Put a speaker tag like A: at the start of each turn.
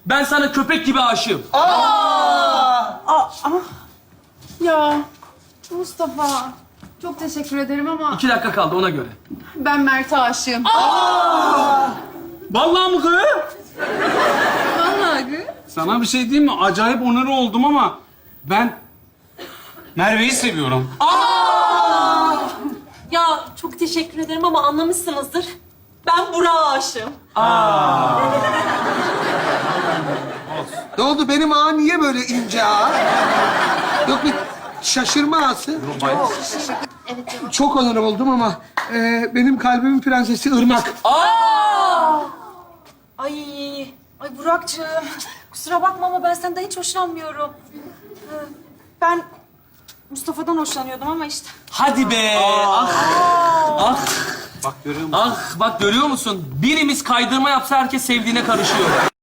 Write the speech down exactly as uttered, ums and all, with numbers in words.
A: Ben sana köpek gibi aşığım.
B: Ya Mustafa, çok teşekkür ederim ama
A: İki dakika kaldı ona göre.
B: ben Mert'e aşığım.
C: Vallahi mı kız?
B: Vallahi.
C: Sana bir şey diyeyim mi? Acayip onur oldum ama ben Merve'yi seviyorum.
D: Ya çok teşekkür ederim ama anlamışsınızdır. Ben Burak'a aşığım.
E: Ne oldu? Benim ağa niye böyle ince ağa? Yok bir şaşırma ağası. Çok onur oldum ama e, benim kalbimin prensesi Irmak.
F: Ay, ay Burak'cığım. Kusura bakma ama ben senden hiç hoşlanmıyorum. Ee, Ben Mustafa'dan hoşlanıyordum ama işte.
A: Hadi be. Ah. Ah.
C: Bak görüyor musun?
A: Ah. Bak görüyor musun? Birimiz kaydırma yapsa herkes sevdiğine karışıyor.